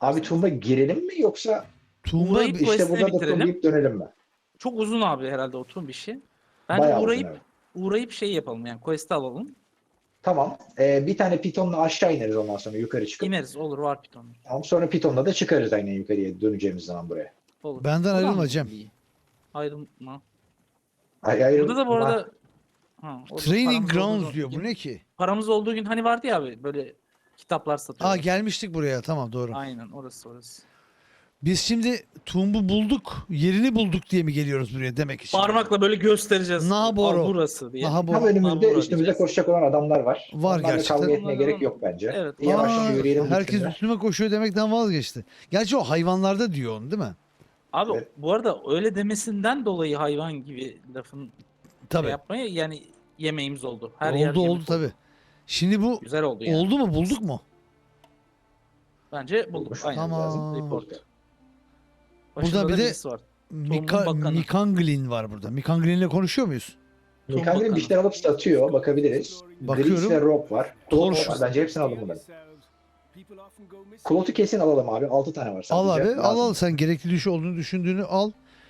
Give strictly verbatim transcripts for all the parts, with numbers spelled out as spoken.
Abi Tumba girelim mi yoksa Tumba Uğrayıp bir- işte quest'ini burada da bitirelim. turlayıp dönelim mi? Çok uzun abi herhalde oturun bir şey. Bence Bayağı uzun, uğrayıp evet. uğrayıp şey yapalım yani quest'i alalım. Tamam. Ee, bir tane pitonla aşağı ineriz ondan sonra yukarı çıkıp. İneriz olur var piton. Tamam, sonra pitonla da çıkarız aynen yukarıya döneceğimiz zaman buraya. Olur. Benden Buradan ayrılma mı Cem. iyi? Ayrılma. Ay, ayrı- Burada da bu arada ha, orada Training paramız olduğu Grounds diyor. gün- Bu ne ki? Paramız olduğu gün hani vardı ya abi böyle kitaplar satıyorlar. Aa gelmiştik buraya. Tamam doğru. Aynen orası orası. Biz şimdi Tumb'u bulduk. Yerini bulduk diye mi geliyoruz buraya demek için? Parmakla böyle göstereceğiz. Naboro. Al burası diye. Naha Tam bu. önümüzde Nabora üstümüzde diyeceğiz. koşacak olan adamlar var. Var Onlarla gerçekten. kavga etmeye Onlardan- gerek yok bence. Evet. Yavaşça Aa, yürüyelim. herkes gitsinler. üstüme koşuyor demekten vazgeçti. Gerçi o hayvanlarda diyor onu değil mi? Abi Evet. bu arada öyle demesinden dolayı hayvan gibi lafın Tabii. şey yapmaya yani yemeğimiz oldu. Her oldu yer oldu yemek tabii. Şimdi bu Güzel oldu yani. oldu mu bulduk mu? Bence bulduk. Olmuş. Aynen. Tamam. Lazım. Report. Burada Başında bir da de- birisi var. Mika, bakanı. Mikanglin var burada. Mikanglin'le konuşuyor muyuz? Mikandil bakanı. bir şeyler alıp satıyor. Bakabiliriz. Bakıyorum. Gris ve Rob var. Klot Torch. var. Bence hepsini alalım bunları. Klot'u kesin alalım abi. altı tane var sadece. Al abi. Al Lazım. al sen gerekli düşü olduğunu düşündüğünü al.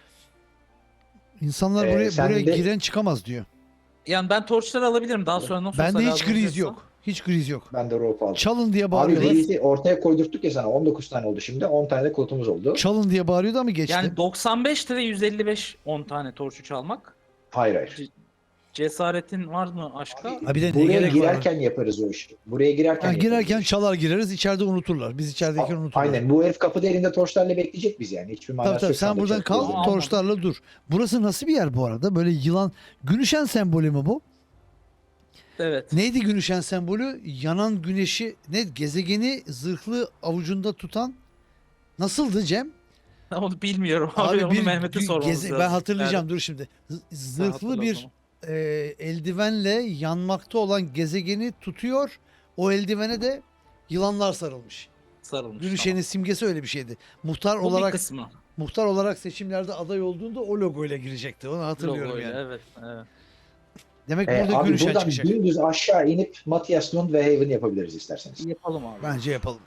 İnsanlar Ee, buraya sen buraya de- giren çıkamaz diyor. Yani ben torçları alabilirim. Daha sonra nasıl olsa Bende hiç lazım griz olacaksa. yok. Hiç griz yok. Ben de Rob aldım. Çalın diye Abi bağırıyorlar. Gris'i ortaya koydurttuk ya sana. on dokuz tane oldu şimdi. on tane de Klot'umuz oldu. Çalın diye bağırıyordu ama geçti. Yani doksan beş lira yüz elli beş on tane torçu çalmak. Hayır hayır. Cesaretin var mı aşka? Ha bir de ne Buraya gerek var? girerken yaparız o işi. Buraya girerken Ha, yaparız girerken o işi. çalar gireriz. İçeride unuturlar. Biz içerideyken A- unuturlar. Aynen. Bu herif kapıda elinde torçlarla bekleyecek biz yani. Hiçbir manası Tabii tabii yok. sen Sandık buradan çok kal, fazla. Tamam. torçlarla dur. Burası nasıl bir yer bu arada? Böyle yılan, Günüşen sembolü mü bu? Evet. Neydi Günüşen sembolü? Yanan güneşi, ne gezegeni zırhlı avucunda tutan nasıldı Cem? Onu bilmiyorum abi. Onu Mehmet'e gü- sormamız geze- lazım. Ben hatırlayacağım Yani dur şimdi. Z- sen Zırhlı hatırla o bir zaman. e, eldivenle yanmakta olan gezegeni tutuyor. O eldivene de yılanlar sarılmış. sarılmış. Günüşen'in simgesi öyle bir şeydi. Muhtar tamam. Bu bir olarak kısmı. muhtar olarak seçimlerde aday olduğunda o logoyla girecekti. Onu hatırlıyorum Logoyla, yani. Evet, evet. Demek Ee, burada abi Günüşen buradan çıkacak. dümdüz aşağı inip Matthias Lund ve Haven yapabiliriz isterseniz. Yapalım abi. Bence yapalım.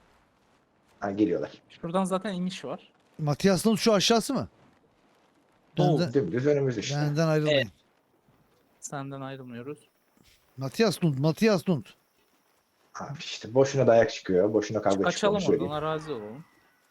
Ha, geliyorlar. Şuradan zaten iniş var. Matias Lund şu aşağısı mı? Doğu. Benden, Dümdüz önümüz işte. benden ayrılmayın. Evet. Senden ayrılmıyoruz. Matias Lund, Matias Lund. Abi işte boşuna dayak çıkıyor. Boşuna kavga çıkıyor. Kaçalım onu söyleyeyim. oradan arazi olalım.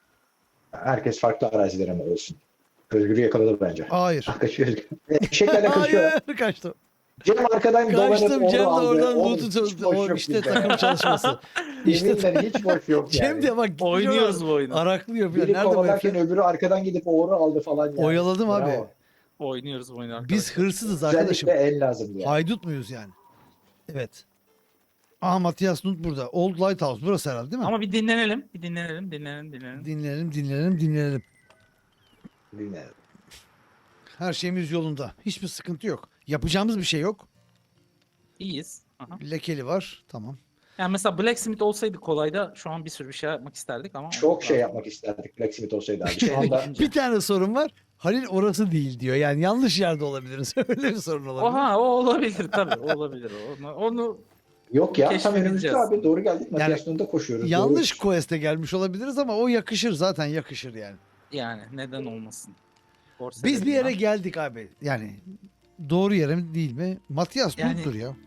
Herkes farklı arazilere mi olsun? Özgür'ü yakaladı bence. Hayır. Kaçıyor. Eşeklerle kaçıyor. Hayır kaçtım. Cem arkadan dolanıp Kaçtım onu Cem de aldı. oradan Oğlum, loot'u hiç çaldı. boş O yok işte bizde. takım çalışması. İşte Yeminle hiç boş yok yani. Cem de bak gitmiş Oynuyoruz oradan bu oyunu. araklıyor falan. Biri Nerede bu kovalarken herif? öbürü arkadan gidip oğru aldı falan. Yani. Oyaladım abi. Bravo. Oynuyoruz bu oyunu arkadaşlar. Biz hırsızız arkadaşım. Özellikle el lazımdı yani. Haydut muyuz yani? Evet. Aha Matias Lund burada. Old Lighthouse burası herhalde değil mi? Ama bir dinlenelim. Bir dinlenelim, dinlenelim, dinlenelim. Dinleyelim, dinleyelim, dinleyelim. Bilmiyorum. Her şeyimiz yolunda. Hiçbir sıkıntı yok. Yapacağımız bir şey yok. İyiyiz. Aha. Lekeli var. Tamam. Yani mesela Blacksmith olsaydı kolayda şu an bir sürü bir şey yapmak isterdik ama. Çok şey yapmak isterdik Blacksmith olsaydı abi. Şu anda Bir tane sorun var. Halil orası değil diyor. Yani yanlış yerde olabiliriz. Öyle bir sorun olabilir. Oha o olabilir tabii. O olabilir. Onu, onu yok ya tam Keşfedeceğiz. önümüzde abi. Doğru geldik. Yani Matias Lund'a koşuyoruz. Yanlış Doğru. quest'e gelmiş olabiliriz ama o yakışır zaten yakışır yani. yani neden olmasın. Borsa Biz bir yere dediğin geldik abi. Yani doğru yere mi değil mi? Matias Yani- Lund'dur ya.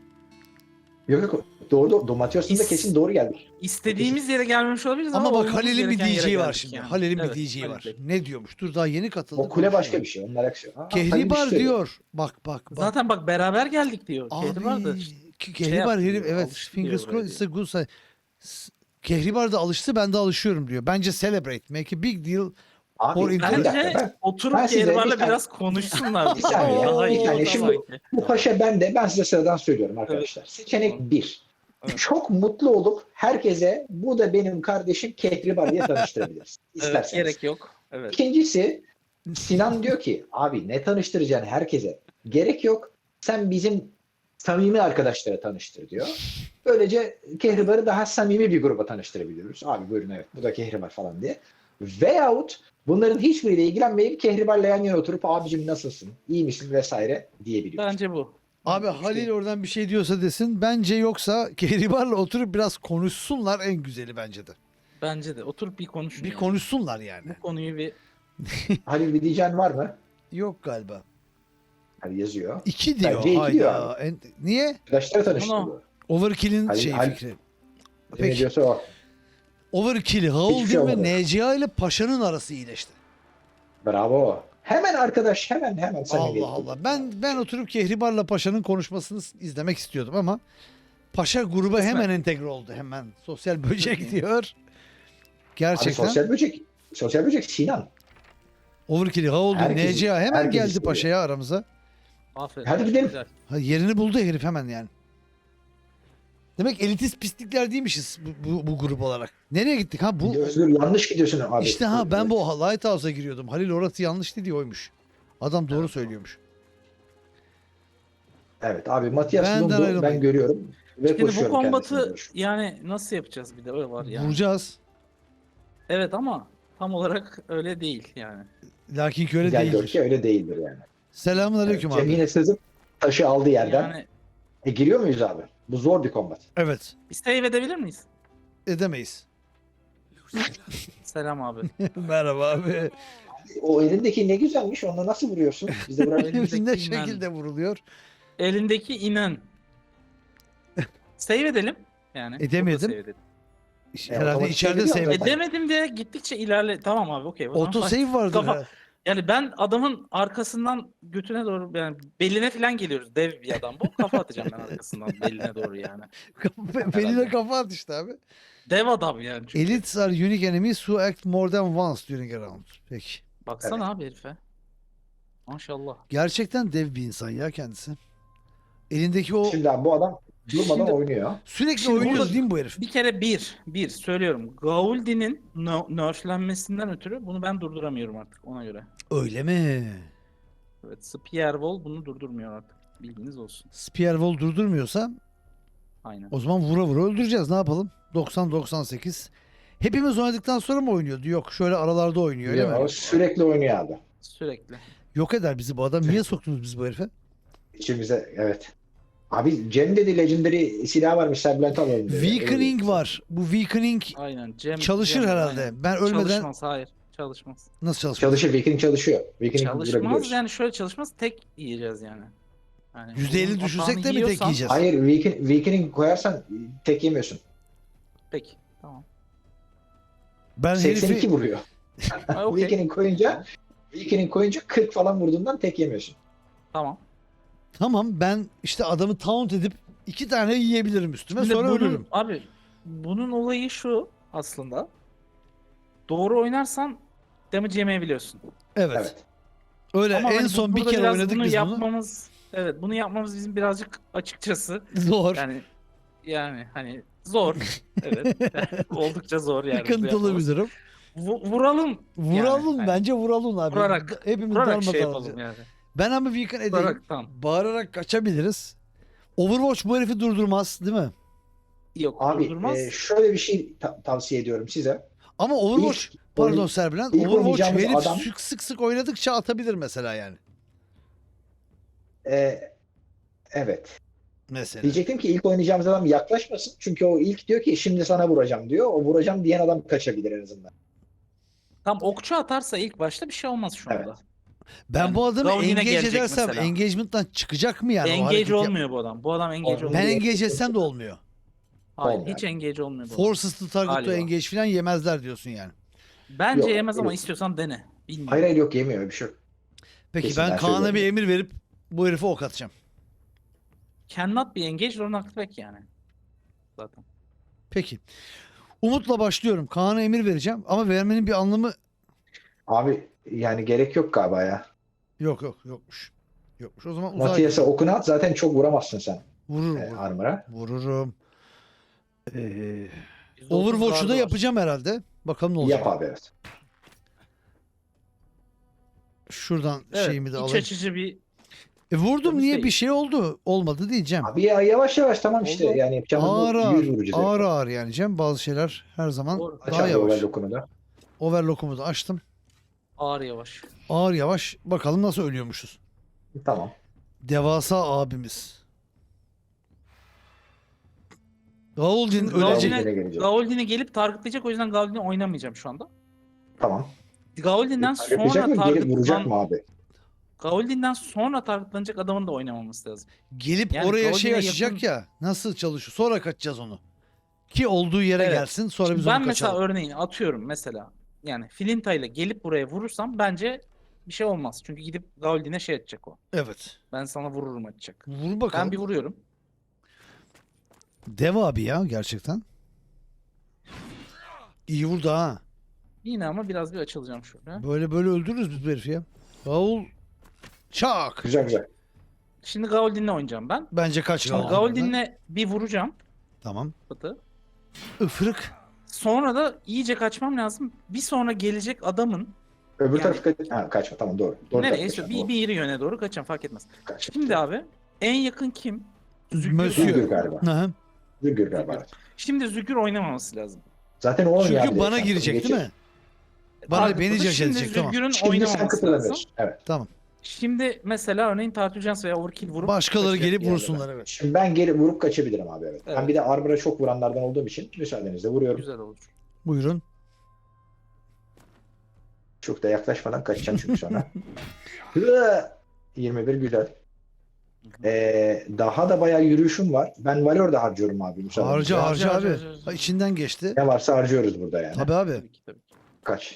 Yok yok. Doğru doğru. Matias Lund'a İs- kesin doğru geldik. İstediğimiz yere gelmemiş olabiliriz ama, Ama bak olmamız Halil'in bir gereken yere diyeceği var geldik şimdi. yani. Halil'in Evet, bir diyeceği Halil var. Bey. Ne diyormuş? Dur daha yeni katıldı. O kule konuşuyor. başka bir şey. Onlar aksiyon. Ha, Halil bir Kehribar şey diyor. Bak bak bak. Zaten bak beraber geldik diyor. Abi, Kehribar da Ke- Kehribar yaptı herif diyor, evet. alıştı Fingers diyor buraya crossed it's a good sign. S- Kehribar da alıştı ben de alışıyorum diyor. Bence celebrate. Make a big deal. Abi, Or- bir dakika, Bence ben- oturup ben size Kehribar'la bir tane- biraz konuşsunlar. Bir saniye, Daha bir iyi saniye. olur Şimdi- sanki. Bu paşa ben de ben size sıradan söylüyorum arkadaşlar. Seçenek bir. Evet. Çok mutlu olup herkese bu da benim kardeşim Kehribar diye tanıştırabiliriz. Evet, İsterseniz. gerek yok. Evet. İkincisi Sinan diyor ki abi ne tanıştıracaksın herkese? Gerek yok. Sen bizim samimi arkadaşlara tanıştır diyor. Böylece Kehribar'ı daha samimi bir gruba tanıştırabiliyoruz. Abi buyurun evet bu da Kehribar falan diye. Veyahut bunların hiçbiriyle ilgilenmeyip Kehribar'la yan yana oturup abicim nasılsın, iyi misin vesaire diyebiliyoruz. Bence bu. Abi İşte- Halil oradan bir şey diyorsa desin. Bence yoksa Kehribar'la oturup biraz konuşsunlar en güzeli bence de. Bence de. Oturup bir konuşun. Bir yani. konuşsunlar yani. Bu konuyu bir Halil bir diyeceğin var mı? Yok galiba. Hani yazıyor. İki diyor. Bence iki diyor Hayda. En- niye? Arkadaşları tanıştırdı. Ama- Overkill'in Halil- şey Halil- fikri. Ne Peki. diyorsa o. Overkill, Hiçbir Howlin şey ve olmadı. N C A ile Paşa'nın arası iyileşti. Bravo. Hemen arkadaş hemen hemen samimiyet. Allah Allah. Ben ben oturup Kehribar'la Paşa'nın konuşmasını s- izlemek istiyordum ama Paşa gruba Kısmet. hemen entegre oldu. Hemen sosyal böcek diyor. Abi Gerçekten. sosyal böcek. Sosyal böcek Sinan. Overkill, Howlin, Herkes- N C A hemen herkes geldi istiyor. Paşa'ya aramıza. aferin. Hadi gidelim. Güzel. Ha, yerini buldu herif hemen yani. Demek elitist pislikler değilmişiz bu, bu, bu grup olarak. Nereye gittik ha? Bu Özgür yanlış gidiyorsun abi. işte ha ben bu Lighthouse'a giriyordum. Halil orası yanlış dedi oymuş. Adam doğru söylüyormuş. Evet abi Matias Benden Lund'u ayrılmayın. ben görüyorum. Ve Şimdi bu koşuyorum kombatı kendisine. yani nasıl yapacağız bir de öyle var yani. Vuracağız. Evet ama tam olarak öyle değil yani. Lakin ki öyle Gel gör değildir. ki öyle değildir yani. Selamun aleyküm Cem abi. yine sızıp taşı aldı yerden. Yani E giriyor muyuz abi? Bu zor bir kombat. Evet. bir save edebilir miyiz? Edemeyiz. Selam abi. Merhaba abi. O elindeki ne güzelmiş. Onunla nasıl vuruyorsun? Bize bırak. Elindeki ne inen. şekilde vuruluyor? Elindeki inen. Save edelim. Yani. Edemedim. burada save edelim. Herhalde otomatik içeride save save ediyor var. Edemedim de gittikçe ilerle. Tamam abi okey. o zaman Auto fight. save vardır. Kafa- ha. Yani ben adamın arkasından götüne doğru yani beline falan geliyoruz. Dev bir adam bu. Kafa atacağım ben arkasından beline doğru yani. Beline kafa at işte abi. Dev adam yani çünkü. Elites are unique enemies who act more than once during a round. Peki. Baksana abi herife. Maşallah. Gerçekten dev bir insan ya kendisi. Elindeki o Şimdi abi bu adam durmadan Şimdi- oynuyor. sürekli Şimdi oynuyor burada- değil mi bu herif? Bir kere bir, bir söylüyorum. Gauldi'nin no- nerflenmesinden ötürü bunu ben durduramıyorum artık ona göre. Öyle mi? Evet, Spearwall bunu durdurmuyor artık. Bilginiz olsun. Spearwall durdurmuyorsa Aynen. o zaman vura vura öldüreceğiz. Ne yapalım? doksan doksan sekiz. Hepimiz oynadıktan sonra mı oynuyordu? Yok şöyle aralarda oynuyor öyle Ya, mi? o sürekli oynuyor abi. Sürekli. Yok eder bizi bu adam. Niye soktunuz biz bu herife? İçimize evet. Abi Cem dedi Legendary silah varmış Serbülent alalım dedi. Weakening var. Bu weakening Aynen. Cem, çalışır Cem, herhalde. aynen. Ben ölmeden Çalışmaz. Hayır. Çalışmaz. nasıl çalışmaz? Çalışır. Weakening çalışıyor. Weakening Çalışmaz vurabiliyoruz. yani şöyle çalışmaz. Tek yiyeceğiz yani. yani yüzde elli bunun düşürsek atağını de mi tek yiyorsan- yiyeceğiz? Hayır weakening, weakening koyarsan tek yemiyorsun. Peki. Tamam. Ben seksen iki herifi vuruyor. Ha, okey. Weakening koyunca Weakening koyunca kırk falan vurduğundan tek yemiyorsun. Tamam. tamam ben işte adamı taunt edip iki tane yiyebilirim üstüme Şimdi sonra bunun- ölürüm. Abi bunun olayı şu aslında. Doğru oynarsan damage yemeyebiliyorsun. Evet. Evet. Öyle Ama en hani bu- son bir burada kere biraz oynadık bunu biz bunu. yapmamız, evet bunu yapmamız bizim birazcık açıkçası Zor. yani yani hani zor. Evet. Yani oldukça zor yani. bunu Sıkıntılı bir yapmamız. durum. Vu- vuralım. Vuralım yani. bence vuralım abi. Vurarak- Hepimiz Vurarak şey darmadağın yapalım olacağız. yani. Ben ama weaken edeyim. Vurarak tamam. Bağırarak kaçabiliriz. Overwatch bu herifi durdurmaz değil mi? Yok Abi durdurmaz. e, şöyle bir şey ta- tavsiye ediyorum size. Ama Overwatch İlk pardon oyun- Serbilen ilk Overwatch oynayacağımız herif adam- sık sık sık oynadıkça atabilir mesela yani. E, evet. Mesela. Diyecektim ki ilk oynayacağımız adam yaklaşmasın. Çünkü o ilk diyor ki şimdi sana vuracağım diyor. O vuracağım diyen adam kaçabilir en azından. Tam okçu atarsa ilk başta bir şey olmaz şu Evet. anda. Ben Yani bu adamı Gaul yine engage gelecek edersem mesela. engagement'tan çıkacak mı yani? o hareketi Engage yap- olmuyor bu adam. Bu adam engage Olmuyor. olmuyor. Ben engage etsem de olmuyor. Hayır Olmuyor. hiç engage olmuyor bu adam. Forces to target to Galiba. engage falan yemezler diyorsun yani. Bence Yok, yemez ama yok. istiyorsan dene. Bilmiyorum. Hayır hayır yok yemiyor bir şey yok. Peki Kesin ben ben Kaan'a bir söylüyorum. emir verip bu herife ok atacağım. Cannot be engaged or knocked back yani. Zaten. Peki. Umut'la başlıyorum. Kaan'a emir vereceğim ama vermenin bir anlamı Abi yani gerek yok galiba ya. yok yok yokmuş. Yokmuş. O zaman uzağa Matias'a okunu at zaten çok vuramazsın sen vururum. e, vururum. armor'a. Vururum. Ee, yüzde otuz Overwatch'u guardı da var. yapacağım herhalde. Bakalım ne olacak. Yap abi evet. Şuradan Evet, şeyimi de iç alayım. açıcı bir E vurdum Temiz niye değil. bir şey oldu? Olmadı diyeceğim. Abi ya yavaş yavaş tamam işte Oldu. yani yapacağımız Ağır bu ağır, yüz vurucu ağır zevk. ağır yani Cem. Bazı şeyler her zaman Doğru. Aç daha abi yavaş. overlock'unu okunu da. Overlock'umu da açtım. ağır yavaş. Ağır yavaş. Bakalım nasıl ölüyormuşuz. Tamam. Devasa abimiz. Gauldin Şimdi ölecek. Gauldin'e- Gauldin'e gelecek. Gauldin'i gelip targetlayacak, o yüzden Gauldin'i oynamayacağım şu anda. Tamam. Gauldin'den Yapacak sonra mı? Gelip vuracak targetlan... mı abi? Gauldin'den sonra targetlanacak adamın da oynamaması lazım. Gelip Yani oraya şey Gauldin'e açacak yakın- ya. Nasıl çalışıyor? Sonra kaçacağız onu. Ki olduğu yere Evet. gelsin. Sonra Şimdi biz ben onu mesela kaçalım. örneğin atıyorum mesela, yani Flinta ile gelip buraya vurursam bence bir şey olmaz. Çünkü gidip Gauldin'e şey edecek o. Evet. Ben sana vururum atacak. Vur bakalım. Ben bir vuruyorum. Dev abi ya gerçekten. İyi vurdu ha. Yine ama biraz bir açılacağım şöyle. Böyle böyle öldürürüz biz bu herifi ya. Gaul çak. Güzel güzel. Şimdi Gauldin'le oynayacağım ben. Bence kaç Şimdi Gauldin'den. Gauldin'le bir vuracağım. Tamam. Batı. Ifırık. Sonra da iyice kaçmam lazım. Bir sonra gelecek adamın Öbür Yani- tarafı kaç... Ha, kaçma tamam doğru. Doğru nereye? tarafı İşte kaçma, bir, doğru. bir yeri yöne doğru kaçacağım, fark etmez. Kaç. Şimdi abi en yakın kim? Zügür. Monsieur. Zügür galiba. Hı hı. Zügür galiba. evet. Şimdi Zügür oynamaması lazım. Zaten o oynuyor Çünkü abi, bana sen girecek geçir. değil mi? Bana Targetladı. beni caş Şimdi edecek tamam. Zügür'ün Şimdi sen oynamaması lazım. kıpırdanıyorsun. Evet. Tamam. Şimdi mesela örneğin Tartujans veya Overkill vurup Başkaları kaçacak gelip bir yerde vursunlar ben. evet. Şimdi ben geri vurup kaçabilirim abi evet. Evet. Ben bir de Arbor'a çok vuranlardan olduğum için müsaadenizle vuruyorum. Güzel olur. Buyurun. Çok da yaklaşmadan kaçacağım çünkü sonra. Hı! yirmi bir güzel. Ee, daha da bayağı yürüyüşüm var. Ben Valor da harcıyorum abi müsaadenizle. Harca harca Harca, abi. harca, harca. Ha, içinden geçti. Ne varsa harcıyoruz burada yani. Tabii abi. Tabii ki, tabii ki. Kaç.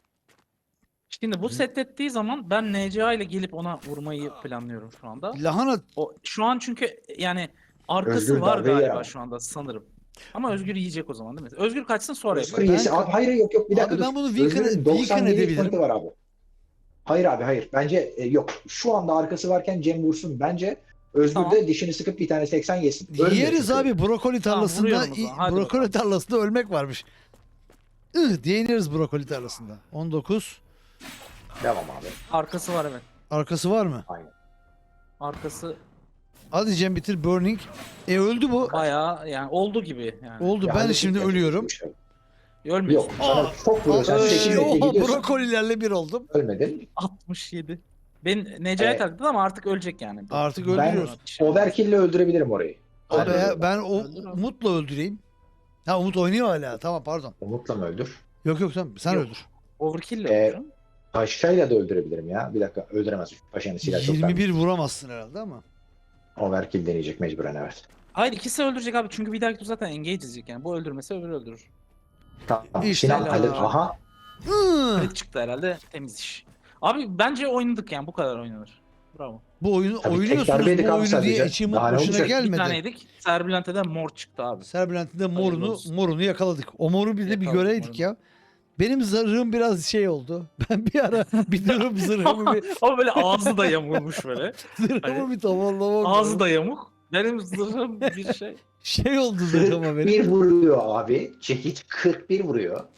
Şimdi bu set ettiği zaman ben N C A ile gelip ona vurmayı planlıyorum şu anda. Lahana O şu an çünkü yani arkası Özgür var darbe yer galiba ama. şu anda sanırım. Ama Özgür yiyecek o zaman değil mi? Özgür kaçsın sonra Özgür yapalım. yesi. Ben- Abi hayır yok yok bir dakika Abi ben dur. bunu weaken- Özgür'ün weaken doksan yedi edebilirim. pointi var abi. Hayır abi hayır. Bence e, yok. Şu anda arkası varken Cem vursun. Bence Özgür Tamam. de dişini sıkıp bir tane seksen yesin. Ölmüyor yeriz çünkü. abi brokoli Tamam, tarlasında vuruyorum o zaman. Hadi brokoli bakalım. tarlasında ölmek varmış. Ih diye ineriz brokoli tarlasında. on dokuz. Devam abi. Arkası var evet. Arkası var mı? Aynen. Arkası Hadi Cem bitir burning. E öldü bu. bayağı yani oldu gibi yani. Oldu Ya ben hadi şimdi şimdi- ölüyorum. Ölmüyorsun. Yok. Sana Aa! çok vuruyorsan Ay, sekiz oha, gidiyorsun. brokolilerle bir oldum. Ölmedin. altmış yedi. Ben N C A'ya Evet. taktım ama artık ölecek yani. Artık Ben öldürüyoruz. overkill'le öldürebilirim orayı. Abi Öldürüyorum. ya, ben o Öldür abi. Umut'la öldüreyim. Ha Umut oynuyor hala. Tamam pardon. Umut'la mı öldür? Yok yok tamam sen Yok. öldür. Overkill ile Ee, öldürürüm. Paşa'yla da öldürebilirim ya. Bir dakika öldüremez. Paşa'nın silahı çok yirmi bir vermiş. vuramazsın herhalde ama. Overkill deneyecek mecburen evet. Hayır, ikisi öldürecek abi çünkü bir dahaki tur zaten engage edecek yani. Bu öldürmese öbürü öldürür. Tamam. İşte Sinan la. hallet. Aha. Hı. Crit çıktı herhalde, temiz iş. Abi bence oynadık yani, bu kadar oynanır. Bravo. Bu oyunu Tabii tek oynuyorsunuz darbeydik bu abi oyunu sadece. diye içim Daha ne boşuna olacak? Bir gelmedi. taneydik. Serbülent'ten mor çıktı abi. Serbülent'in de Hayırlı morunu olsun. morunu yakaladık. O moru bir de bir Yakaladık göreydik morunu. ya. Benim zırhım biraz şey oldu. Ben bir ara bir durum zırhımı bir Ama böyle ağzı da yamulmuş böyle. zırhımı Hani bir toparlamak Ağzı lazım. da yamuk. Benim zırhım bir şey. Şey oldu zırhıma benim. bir vuruyor abi. Çekiç kırk bir vuruyor. kırk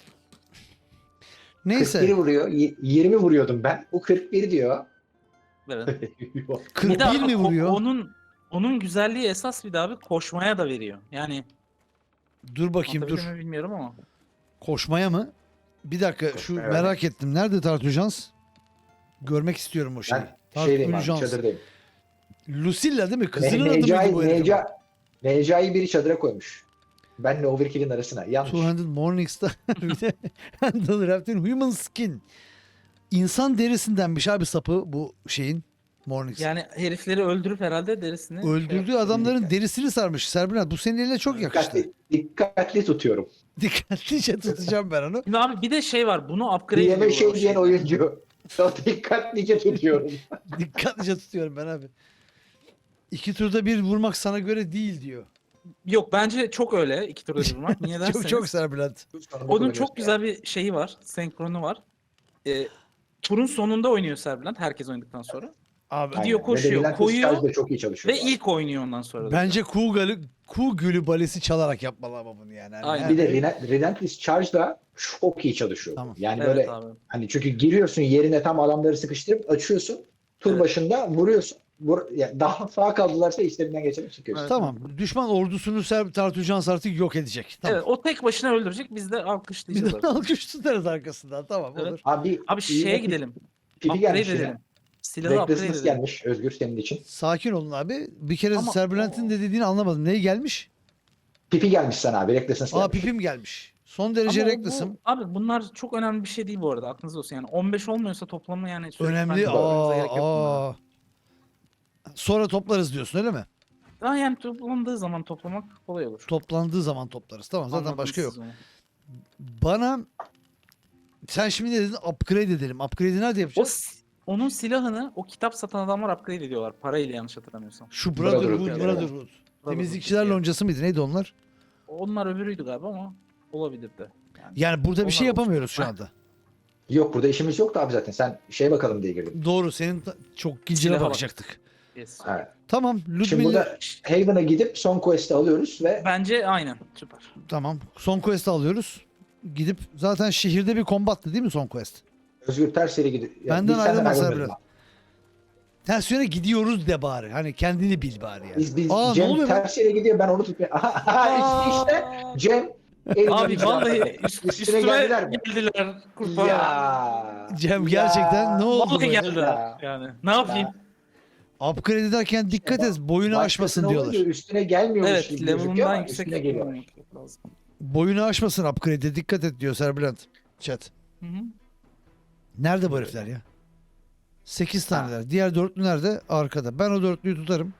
bir Neyse. vuruyor. Y- yirmi vuruyordum ben. Bu kırk bir diyor. Evet. kırk Bir de bir mi ko- vuruyor? Onun onun güzelliği esas bir de abi koşmaya da veriyor. Yani Dur bakayım dur. anlatabildim mi bilmiyorum ama. Koşmaya mı? Bir dakika şu Koşmaya, evet. merak ettim. Nerede Tartujans? Görmek istiyorum o şeyi. Ben şeydeyim abi Tartujans. çadırdayım. Lucilla değil mi? Kızının Ne- adı mıydı Necai, bu herifin? Neca, Necai biri çadıra koymuş. Benle Overkill'in arasına. Yanlış. iki yüz Morningstar bir de Handle Wrapped in Human Skin. İnsan derisindenmiş abi sapı bu şeyin. Morningstar. Yani herifleri öldürüp herhalde derisini şey Öldürdüğü yapıyor. adamların derisini sarmış. Serbülent bu senin eline çok yakıştı. Dikkatli, dikkatli tutuyorum. Dikkatlice tutacağım ben onu. Şimdi abi bir de şey var. Bunu upgrade Diyeme ediyorlar şey o diyen şeyden. oyuncu. O dikkatlice tutuyorum. Dikkatlice tutuyorum ben abi. İki turda bir vurmak sana göre değil diyor. Yok bence çok öyle iki turda bir vurmak. Niye derseniz. Çok çok Serbülent. Onun çok güzel bir şeyi var. Senkronu var. Ee, turun sonunda oynuyor Serbülent. Herkes oynadıktan sonra. Abi Gidiyor, Aynen. koşuyor, Ve de Relentless koyuyor Charge de çok iyi çalışıyor. Ve bu arada. ilk oynuyor ondan sonra. da. bence kuğu, gülü, kuğu gülü balesi çalarak yapmalı ama bunu yani. Hani Aynen. her- Bir de Relen- Relentless Charge da çok iyi çalışıyor. Tamam. Yani Evet böyle abi. hani çünkü giriyorsun yerine tam adamları sıkıştırıp açıyorsun. Tur Evet. başında vuruyorsun. Vur, yani daha sağ kaldılarsa işlerinden geçerek çıkıyorsun. Evet. Tamam. Düşman ordusunu Serb Tartujans artık yok edecek. Tamam. Evet, o tek başına öldürecek. Biz de Bir alkışlayacağız. de abi. alkış tutarız arkasından. Tamam Evet. olur. Abi, Abi iyi şeye bir gidelim. Pipi Upgrade gelmiş edelim. yine. Silahı upgrade Recklessness edelim. gelmiş Özgür senin için. Sakin olun abi. Bir kere Ama Serbülent'in o- de dediğini anlamadım. Neye gelmiş? Pipi gelmiş sana abi. Recklessness Aa gelmiş. pipim gelmiş. Son derece Ama o- reckless'ım. bu, abi bunlar çok önemli bir şey değil bu arada. Aklınızda olsun. Yani on beş olmuyorsa toplamı yani sürekli Önemli. bence bakmanıza gerek Aa, yok bunlara. aa. Sonra toplarız diyorsun öyle mi? Daha yani toplandığı zaman toplamak kolay olur. Toplandığı zaman toplarız. Tamam zaten Anladınız başka yok. siz onu. Bana sen şimdi ne dedin? Upgrade edelim. Upgrade'i nerede O, yapacağız? s- onun silahını o kitap satan adamlar upgrade ediyorlar. Parayla yanlış hatırlamıyorsam. Şu Brotherhood, Brotherhood, Brotherhood. evet. Temizlikçiler Brotherhood. loncası mıydı? Neydi onlar? Onlar öbürüydü galiba ama olabilir de. Yani, Yani burada bir onlar şey olsun. yapamıyoruz şu anda. Yok burada işimiz yoktu abi zaten. Sen şey bakalım diye girdin. Doğru. Senin ta- çok gilcine Silaha bak. bakacaktık. Yes. Evet. Tamam. Şimdi Ludmilla. burada Haven'a gidip son quest'i alıyoruz ve Bence aynen. Süper. Tamam. Son quest'i alıyoruz. Gidip zaten şehirde bir kombattı değil mi son quest? Özgür ters yere gidiyor. Ya Benden biz senden ayrılma ayrılmayalım Sabri. abi. Ters yöne gidiyoruz de bari. Hani kendini bil bari yani. Biz, biz Aa ne Cem oluyor lan? ters yere gidiyor ben onu tutmuyorum. işte, işte Cem elini Abi uzattı. vallahi üst, Üstüne üstüme geldiler mi? geldiler kurbağa. Ya. Cem gerçekten ne oldu Vallahi böyle? geldiler Ya. yani. Ne yapayım? Upgrade ederken dikkat et. Boyunu aşmasın Başkasına diyorlar. olunca Üstüne gelmiyormuş Evet, gibi gözüküyor level'ından ama yüksek üstüne geliyor. olmak lazım. Boyunu aşmasın upgrade'e dikkat et diyor Serbülent. Chat. Hı hı. Nerede bu herifler ya? sekiz taneler. Diğer dörtlü nerede? Arkada. Ben o dörtlüyü tutarım.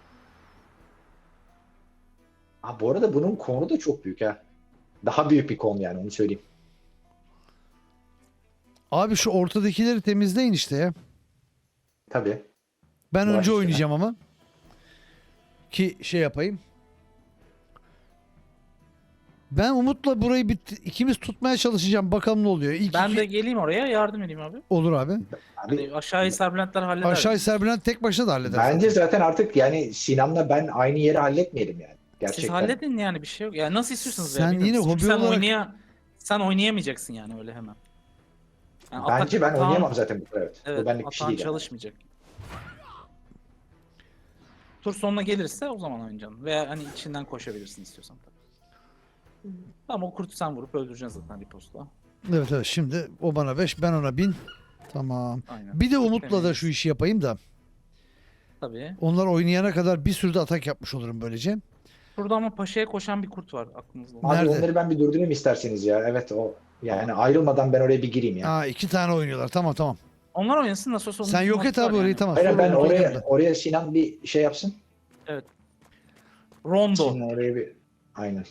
Ha, bu arada bunun konu da çok büyük ha. Daha büyük bir konu yani onu söyleyeyim. Abi şu ortadakileri temizleyin işte ya. Tabii. Ben Baş önce üstüne. oynayacağım ama. Ki şey yapayım. Ben Umut'la burayı bit ikimiz tutmaya çalışacağım. Bakalım ne oluyor. İlk Ben iki- de geleyim oraya yardım edeyim abi. Olur abi. Abi, Hani aşağıyı Serbülentler halleder. Aşağı Serbülent tek başına da halleder. bence zaten artık yani Sinan'la ben aynı yeri halletmeyelim yani. Gerçekten. Siz halledin yani bir şey yok. Yani nasıl istiyorsanız Sen ya. yine bilmiyorum. Çünkü hobi sen olarak- oynaya sen oynayamayacaksın yani öyle hemen. Yani Bence atak- ben atağın- oynayamam zaten bu kadar. Evet. Evet, Bu benlik bir şey atağın değil. yani. çalışmayacak. Tur sonuna gelirse o zaman oynayacaksın. Veya hani içinden koşabilirsin istiyorsan. Tamam o kurtu sen vurup öldüreceksin zaten riposta. Evet evet şimdi o bana beş ben ona bin. Tamam. Aynen. Bir de Çok Umut'la da temiz. şu işi yapayım da. Tabii. Onlar oynayana kadar bir sürü de atak yapmış olurum böylece. Burada ama paşaya koşan bir kurt var aklınızda. olsun. Abi Nerede? onları ben bir durdurayım isterseniz ya. Evet o yani ayrılmadan ben oraya bir gireyim ya. Aa iki tane oynuyorlar. Tamam tamam. Onlar oynasın nasıl olsa. Sen onun yok et vakti var abi orayı yani. tamam. Hayır Sonra ben Umut oraya oynayalım da. oraya Sinan bir şey yapsın. Rondo. Sinan oraya bir aynen.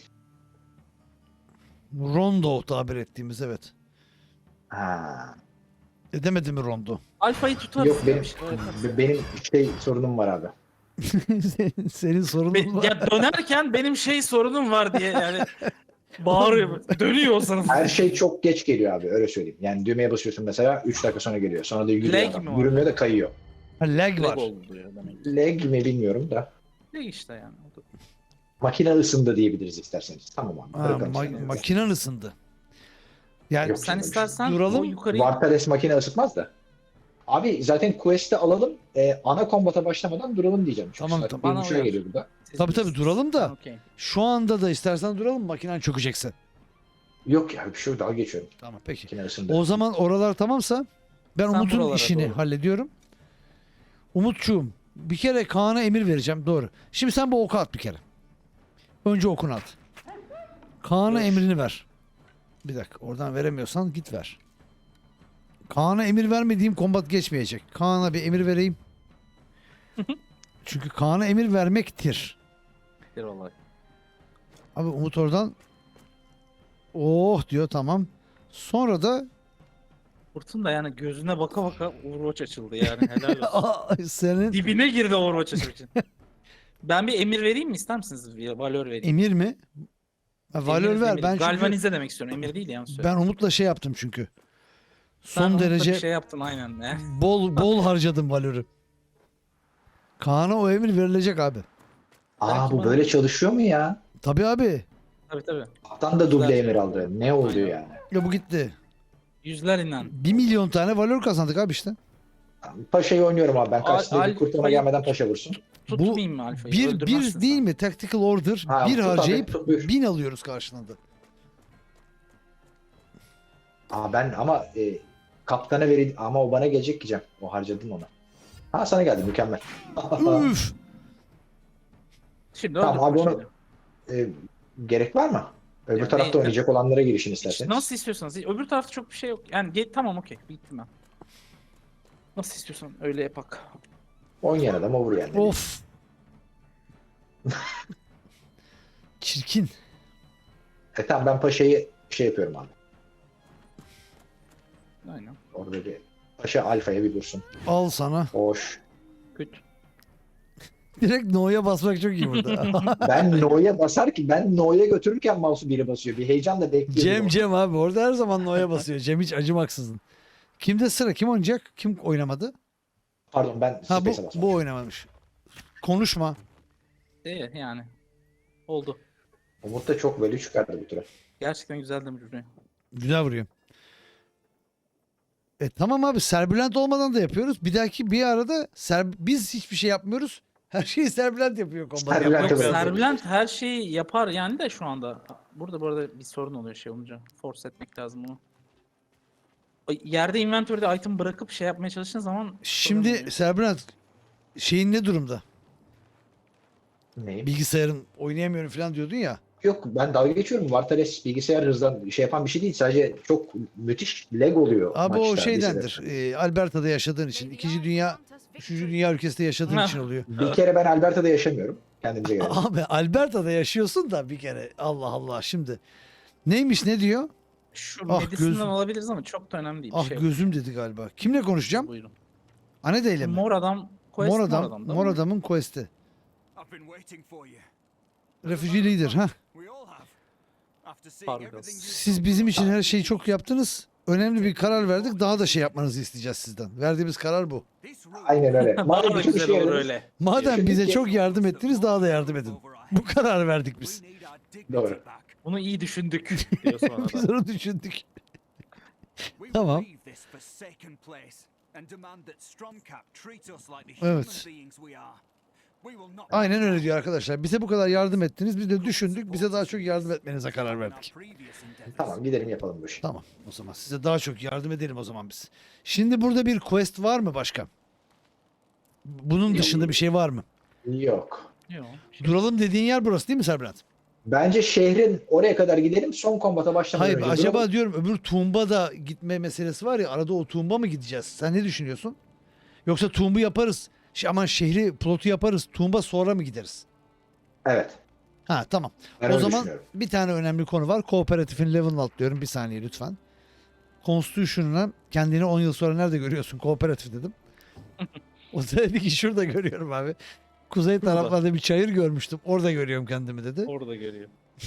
Rondo tabir ettiğimiz evet. Ha. Edemedi mi Rondo? Alfa'yı tutarız. Yok ya, benim bir şeyler yaparız. be- benim şey sorunum var abi. Senin- Senin sorunun Be- var. ya dönerken benim şey sorunum var diye yani bağırıyor. Dönüyor o sana. Her şey çok geç geliyor abi öyle söyleyeyim. Yani düğmeye basıyorsun mesela üç dakika sonra geliyor. Sonra da yürüyor Lag adam. mi var? Yürümüyor da kayıyor. Ha, lag var. Lag oldu diyor demek. Lag mi bilmiyorum da. Lag işte yani. O da- Makine ısındı diyebiliriz isterseniz. Tamam abi. Ha, bırakalım ma- sen. makinen ısındı. Yani Yok. Sen istersen Duralım. o yukarıyı Warpares makine ısıtmaz da. Abi zaten quest'i alalım. E, ana kombata başlamadan duralım diyeceğim. Çünkü Tamam, saat tamam. bir Bana buçuğa uyar. geliyor burada. siz Tabii, tabii, bilirsiniz. duralım da. Tamam, okey. şu anda da istersen duralım makinen çökecekse. Yok ya bir şey yok daha geçiyorum. Tamam peki. Makine ısındı. O zaman oralar tamamsa ben Sen Umut'un buralara işini doğru. hallediyorum. Umutçuğum bir kere Kaan'a emir vereceğim doğru. Şimdi sen bu oku at bir kere. Önce okunu at. Kaan'a Dur. emrini ver. Bir dakika oradan veremiyorsan git ver. Kaan'a emir vermediğim kombat geçmeyecek. Kaan'a bir emir vereyim. Çünkü Kaan'a emir vermektir. Bir olay. Abi Umut oradan oh diyor tamam. Sonra da Kurtun da yani gözüne baka baka Overwatch açıldı yani helal olsun. Aa, senin Dibine girdi Overwatch açmak için. Ben bir emir vereyim mi ister misiniz? Bir valör vereyim. emir mi? Ha, valör Emir, ver. emir. Ben çünkü Galvanize demek istiyorum. Emir değil yanlış söyledim. ben Umut'la şey yaptım çünkü. Sen Son Umut'la derece bir şey yaptın aynen. ya. bol bol harcadım valörü. Kaan'a o emir verilecek abi. Aa Belki bu bana- böyle çalışıyor mu ya? Tabii abi. Tabii tabii. Kaptan da duble Güzel. emir aldı. Ne oldu Aynen. yani? Ya bu gitti. Yüzler inan. Bir milyon tane valör kazandık abi işte. Paşa'yı oynuyorum abi. Ben Al- karşısındaki al- kurtuma hayır. gelmeden paşa vursun. Tutmayayım mı Alfa'yı? Bir Öldürmezsin bir değil sen. mi? Tactical order. Ha, bir tut abi, harcayıp tut, buyur. bin alıyoruz karşılığında. Aa ben ama e, kaptana vereyim ama o bana gelecek diyeceğim. O harcadım onu. Ha sana geldi mükemmel. Üf. Şimdi Tamam, öldür abi onu- Paşa'yı. E, Gerek var mı? Öbür Yani tarafta ne- oynayacak olanlara girişin Hiç isterseniz. nasıl istiyorsanız. Öbür tarafta çok bir şey yok. Yani ge- tamam okey. Bittim ben. Nasıl istiyorsan öyle yapak. Oynayan adam over yani. Of. Çirkin. E tamam ben paşayı şey yapıyorum abi. Aynen. Orada bir paşa alfaya bir dursun. Al sana. Hoş. Kötü. Direkt no'ya basmak çok iyi burada. Ben no'ya basar ki ben no'ya götürürken mouse'u biri basıyor. Bir heyecanla bekliyorum. Cem orada. Cem abi orada her zaman no'ya basıyor. Cem hiç acımaksızın. Kimde sıra? Kim oynayacak? Kim oynamadı? Pardon ben Ha bu, space'e basmamışım. bu oynamamış. Konuşma. İyi yani. Oldu. Umut da çok böyle çıkardı bu tura. Gerçekten güzel demiş buraya. Güzel vuruyor. E tamam abi serbülent olmadan da yapıyoruz. Bir dahaki bir arada ser, biz hiçbir şey yapmıyoruz. Her şeyi serbülent yapıyor kombat. Serbülent yapmak Yok Evet. lazım. Serbülent her şeyi yapar yani de şu anda. Burada bu arada bir sorun oluyor şey olunca. Force etmek lazım onu. Ay, Yerde inventory'de item bırakıp şey yapmaya çalıştığın zaman problem Şimdi oluyor. serbülent şeyin ne durumda? Neyi? Bilgisayarın oynayamıyorum falan diyordun ya. Yok ben dalga geçiyorum. Vartales bilgisayar hızdan şey yapan bir şey değil. Sadece çok müthiş lag oluyor Abi maçta. o şeydendir. bizde. E, Alberta'da yaşadığın için. ikinci dünya, üçüncü dünya ülkesinde yaşadığın Ha. için oluyor. Bir kere ben Alberta'da yaşamıyorum. Kendimize göre. Abi Alberta'da yaşıyorsun da bir kere. Allah Allah şimdi. Neymiş ne diyor? Şu Ah, Madison'dan gözüm. alabiliriz ama çok da önemli değil. Ah şey gözüm dedi galiba. Kimle konuşacağım? Buyurun. Anede ile mi? Mor adam. Quest Mor mor adam, adam, değil mor mi? adamın quest'i. I've been waiting for you. Refugee leader. Ha. We all have. After seeing Pardon. everything you've Siz bizim için her şeyi çok yaptınız. Önemli bir karar verdik. Daha da şey yapmanızı isteyeceğiz sizden. Verdiğimiz karar bu. this rule Aynen öyle. Daha Madem da bütün güzel işe olur yaradınız, öyle. Madem Şimdi bize ki- çok yardım ettiniz daha da yardım edin. Bu karar verdik biz. we need our dignity Doğru. back. Bunu iyi düşündük diyor sonra Biz da. onu düşündük. We will Tamam. leave this forsaken place and demand that Stromcap treat us like the Evet. human beings we are. We will not Aynen öyle diyor arkadaşlar. Bize bu kadar yardım ettiniz. Biz de düşündük. Bize daha çok yardım etmenize karar verdik. tamam gidelim yapalım bu işi. Tamam o zaman size daha çok yardım edelim o zaman biz. Şimdi burada bir quest var mı başka? Bunun dışında bir şey var mı? Yok. Yok. Duralım dediğin yer burası değil mi Serbülent? Bence şehrin oraya kadar gidelim. Son kombata başlamadan Hayır önce acaba duralım. diyorum öbür Tuğumba da gitme meselesi var ya arada o Tuğumba mı gideceğiz? Sen ne düşünüyorsun? Yoksa Tuğumbu yaparız. Şey, aman şehri plotu yaparız. Tuğumba sonra mı gideriz? Evet. Ha tamam. Ben o öyle zaman düşünüyorum. bir tane önemli konu var. Kooperatifin level'ını atlıyorum. Bir saniye lütfen. Constitution'una kendini on yıl sonra nerede görüyorsun? Kooperatif dedim. O da dedi ki şurada görüyorum abi. Kuzey taraflarda bir çayır görmüştüm. Orada görüyorum kendimi dedi. Orada görüyor.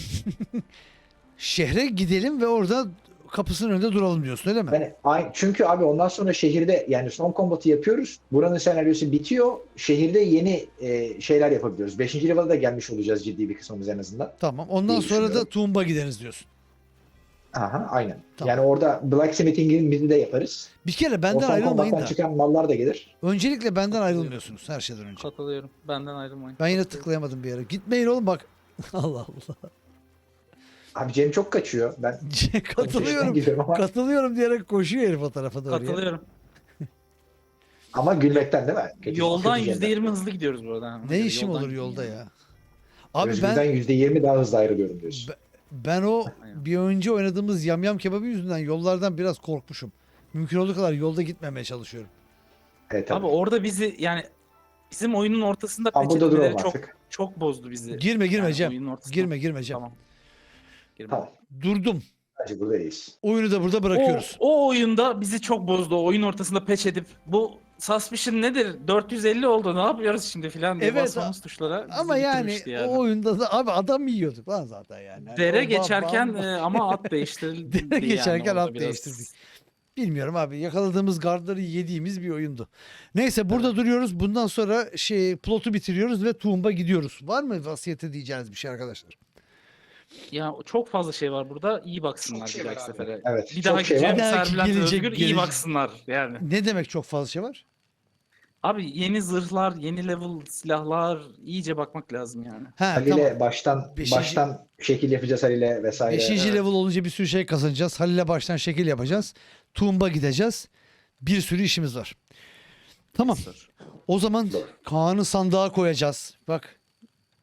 Şehre gidelim ve orada kapısının önünde duralım diyorsun öyle mi? Ben, ay- çünkü abi ondan sonra şehirde yani son kombatı yapıyoruz. Buranın senaryosu bitiyor. Şehirde yeni e, şeyler yapabiliyoruz. Beşinci level'a da gelmiş olacağız ciddi bir kısmımız en azından. Tamam. Ondan İyi sonra da düşünüyorum. Tuğumba gideriz diyorsun. Aha aynen. Tamam. Yani orada blacksmithing'imizi de yaparız. Bir kere O benden son ayrılmayın kombattan da. çıkan mallar da gelir. Öncelikle benden ayrılmıyorsunuz her şeyden önce. Katılıyorum. Benden ayrılmayın. Ben yine Katılıyorum. tıklayamadım bir yere. Gitmeyin oğlum bak. Allah Allah. Abi Cem çok kaçıyor. Ben Katılıyorum. gidiyorum ama, Katılıyorum diyerek koşuyor herif o tarafa doğru. ya. Katılıyorum. ama gülmekten değil mi? Kötü- Yoldan kötü yüzde Cem'den. yirmi hızlı gidiyoruz burada. Ona Ne göre işim yoldan olur gideyim yolda yani. ya? Abi Özgür'den ben yüzde yirmi daha hızlı ayrılıyorum diyorsun. Ben- ben o Aynen. bir önce oynadığımız yamyam kebabı yüzünden yollardan biraz korkmuşum. Mümkün olduğu kadar yolda gitmemeye çalışıyorum. Evet, tabii. Abi orada bizi yani bizim oyunun ortasında Ama burada peçeteleri duralım çok artık. çok bozdu bizi. Girme girme Yani Cem. oyunun ortasında. Girme girme Cem. Tamam. Girme. Tamam. Durdum. Bence buradayız. Oyunu da burada O, bırakıyoruz. o oyunda bizi çok bozdu. O oyun ortasında peç edip bu suspicion nedir? dört yüz elli oldu. Ne yapıyoruz şimdi filan diye Evet, basmamız tuşlara. bizi Ama yani, bitirmişti yani. o oyunda da abi adam yiyorduk lan zaten yani. Yani Dere o bam- geçerken bam- e, ama at değiştirildi. Dere geçerken yani at orada biraz. değiştirdik. Bilmiyorum abi yakaladığımız gardları yediğimiz bir oyundu. Neyse burada duruyoruz. Bundan sonra şey plotu bitiriyoruz ve Tuğumba gidiyoruz. Var mı vasiyete diyeceğiniz bir şey arkadaşlar? Ya çok fazla şey var burada. İyi baksınlar Çok şey bir dahaki var abi. sefere. Evet, Bir çok dahaki şey var. Cem Bir dahaki Serbülent gelecek, Özgür iyi gelecek. baksınlar yani. Ne demek çok fazla şey var? Abi yeni zırhlar, yeni level silahlar iyice bakmak lazım yani. Ha Halil'e tamam. baştan Beşinci- baştan şekil yapacağız Halil'e vesaire. Beşinci evet. level olunca bir sürü şey kazanacağız. Halil'e baştan şekil yapacağız. Tuğumba gideceğiz. Bir sürü işimiz var. Tamam. O zaman Doğru. Kaan'ı sandığa koyacağız. Bak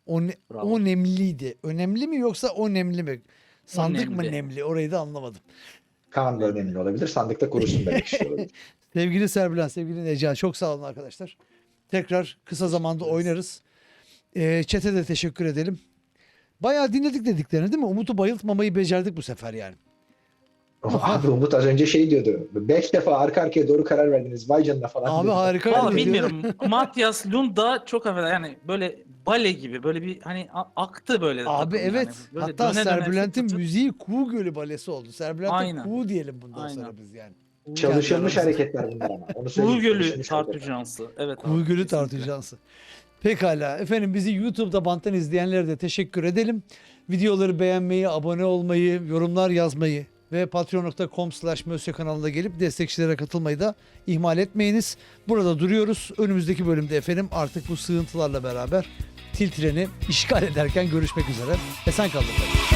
O, ne- Bravo. o nemliydi. Önemli mi yoksa o nemli mi? Sandık mı nemli. nemli? Orayı da anlamadım. Kaan da önemli olabilir. Sandıkta kurusun demek istiyor olabilir. Sevgili Serbilen, sevgili Neca, çok sağ olun arkadaşlar. Tekrar kısa zamanda oynarız. Ee, Chat'e de teşekkür edelim. Bayağı dinledik dediklerini değil mi? Umut'u bayıltmamayı becerdik bu sefer yani. Abi Umut az önce şey diyordu. Beş defa arka arkaya doğru karar verdiniz. Vay canına falan. Abi diyordu. harika. Valla bir- bilmiyorum. Matias Lunda çok affeder yani böyle bale gibi böyle bir hani a- aktı böyle. Abi takım evet. yani. Böyle Hatta döne döne Serbülent'in fıt fıt. müziği Kuğu Gölü balesi oldu. Serbülent'e Aynen. Kuğu diyelim bundan Aynen. sonra biz yani. Çalışılmış Kendi hareketler bunlar ama. Onu söyleyeyim. Kuğu Gölü Çalışılmış hareketler. tartücansı. Evet abi, Kuğu Gölü kesinlikle. tartışansı. Pekala. Efendim bizi YouTube'da banttan izleyenlere de teşekkür edelim. Videoları beğenmeyi, abone olmayı, yorumlar yazmayı ve patreon nokta com slash mösyö kanalına gelip destekçilere katılmayı da ihmal etmeyiniz. Burada duruyoruz. Önümüzdeki bölümde efendim artık bu sığıntılarla beraber Tiltren'i işgal ederken görüşmek üzere. Esen kalın efendim.